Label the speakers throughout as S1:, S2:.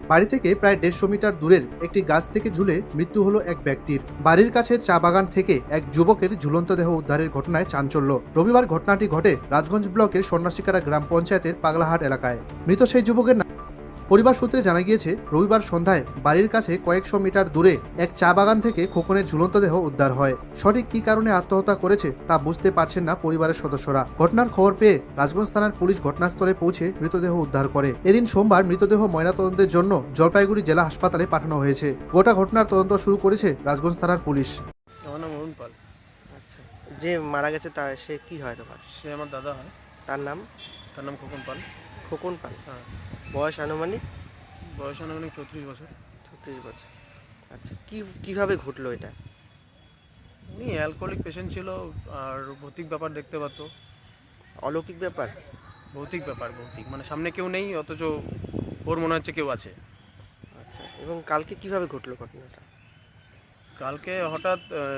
S1: বাড়ি থেকে প্রায় 150 মিটার দূরের একটি গাছ থেকে ঝুলে মৃত্যু হলো এক ব্যক্তির। বাড়ির কাছে চা বাগান থেকে এক যুবকের ঝুলন্ত দেহ উদ্ধারের ঘটনায় চাঞ্চল্য। রবিবার ঘটনাটি ঘটে রাজগঞ্জ ব্লকের সন্ন্যাসিকারা গ্রাম পঞ্চায়েতের পাগলাহাট এলাকায়। মৃত সেই যুবকের পরিবার সূত্রে জানা গিয়েছে, রবিবার সন্ধ্যায় বাড়ির কাছে কয়েকশো মিটার দূরে এক চা বাগান থেকে খোকনের ঝুলন্ত দেহ উদ্ধার হয়। সঠিক কী কারণে আত্মহত্যা করেছে তা বুঝতে পারছেন না পরিবারের সদস্যরা। ঘটনার খবর পেয়ে রাজগঞ্জ থানার পুলিশ ঘটনাস্থলে পৌঁছে মৃতদেহ উদ্ধার করে। এদিন সোমবার মৃতদেহ ময়নাতদন্তের জন্য জলপাইগুড়ি জেলা হাসপাতালে পাঠানো হয়েছে। গোটা ঘটনার তদন্ত শুরু করেছে রাজগঞ্জ থানার পুলিশ।
S2: আমার নাম অরুণ পাল।
S3: আচ্ছা, যে মারা গেছে তা সে কি হয় তোমার?
S2: সে আমার দাদা হয়।
S3: তার নাম?
S2: তার নাম খোকন পাল।
S3: খোকন পাল।
S2: হ্যাঁ,
S3: বয়স আনুমানিক?
S2: বয়স আনুমানিক 34 বছর।
S3: 36 বছর। আচ্ছা, কিভাবে ঘটলো এটা?
S2: উনি অ্যালকোহলিক পেশেন্ট ছিল আর ভৌতিক ব্যাপার দেখতে পারত।
S3: অলৌকিক ব্যাপার?
S2: ভৌতিক মানে সামনে কেউ নেই, অথচ ওর মনে হচ্ছে কেউ আছে।
S3: আচ্ছা, এবং কালকে কিভাবে ঘটলো ঘটনাটা?
S2: কালকে হঠাৎ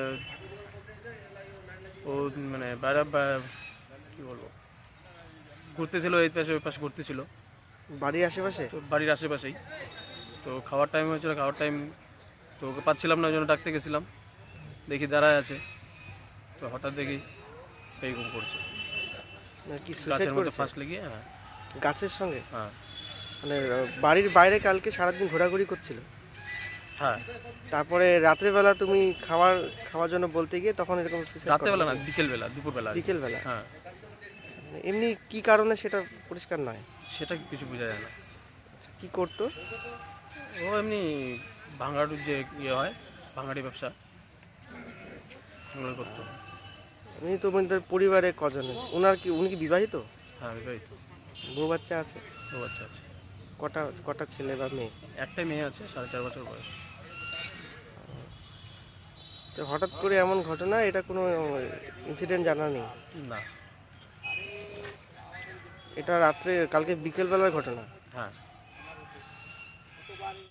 S2: ও মানে বাইরে কী বলবো, ঘুরতেছিল, এই পাশে ওই পাশে ঘুরতেছিল,
S3: বাড়ির আশেপাশে?
S2: তো বাড়ির আশেপাশেই। তো খাওয়ার টাইম হয়েছিল, খাওয়ার টাইম তো ওকে পাচ্ছিলাম না, ওই জন্য ডাকতে গেছিলাম। দেখি দাঁড়ায় আছে, তো হঠাৎ দেখি এইরকম করছে,
S3: কি সুসাইড
S2: গাছের মধ্যে
S3: করেছে?
S2: ফাঁস লেগে। হ্যাঁ
S3: গাছের সঙ্গে?
S2: হ্যাঁ
S3: মানে বাড়ির বাইরে কালকে সারাদিন ঘোরাঘুরি করছিল,
S2: হ্যাঁ।
S3: তারপরে রাত্রেবেলা তুমি খাওয়ার জন্য বলতে গিয়ে তখন এরকম সুসাইড?
S2: রাত্রেবেলা না, বিকেলবেলা, দুপুরবেলা।
S3: বিকেলবেলা?
S2: হ্যাঁ,
S3: মানে এমনি কি কারণে সেটা পরিষ্কার নয়?
S2: সেটা কিছু বোঝা যায় না।
S3: আচ্ছা, কি করতো?
S2: ও এমনি ভাঙাড়ির যে ইয়ে হয়, ভাঙাড়ি ব্যবসা ওগুলো করতো।
S3: উনি তোমাদের পরিবারে কজন? উনি কি বিবাহিত?
S2: হ্যাঁ, বিবাহিত।
S3: বউ বাচ্চা আছে?
S2: ও আচ্ছা আচ্ছা।
S3: কটা ছেলে বা মেয়ে?
S2: একটাই মেয়ে আছে, 4.5 বছর বয়স।
S3: তো হঠাৎ করে এমন ঘটনা, এটা কোনো ইনসিডেন্ট জানা নেই?
S2: না।
S3: এটা কালকে বিকেলবেলার ঘটনা?
S2: হ্যাঁ।